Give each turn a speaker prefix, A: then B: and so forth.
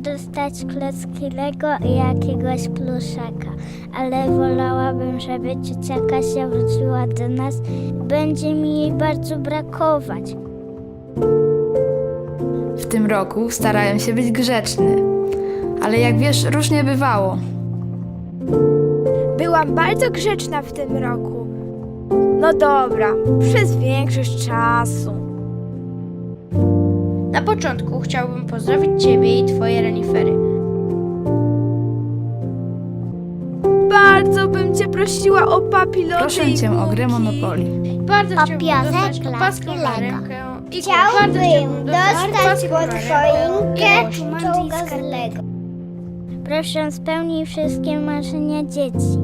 A: Chciałabym dostać klocki Lego i jakiegoś pluszaka, ale wolałabym, żeby ciocia Kasia wróciła do nas. Będzie mi jej bardzo brakować.
B: W tym roku starałem się być grzeczny, ale jak wiesz, różnie bywało.
C: Byłam bardzo grzeczna w tym roku. No dobra, przez większość czasu.
D: Na początku chciałbym pozdrowić Ciebie i Twoje renifery.
C: Bardzo bym cię prosiła o papilotę
B: Proszę
C: i
B: cię o grę
C: kulki.
B: Monopoly.
D: Bardzo chciałbym
A: Piasek,
D: dostać
A: laski,
D: opaskę na
A: Lego.
D: rękę i
A: Chciałbym
D: bardzo
A: dostać
D: opaskę
A: pod
D: na rękę
A: choinkę
D: i
A: czołga z Lego. Proszę spełnij wszystkie marzenia dzieci.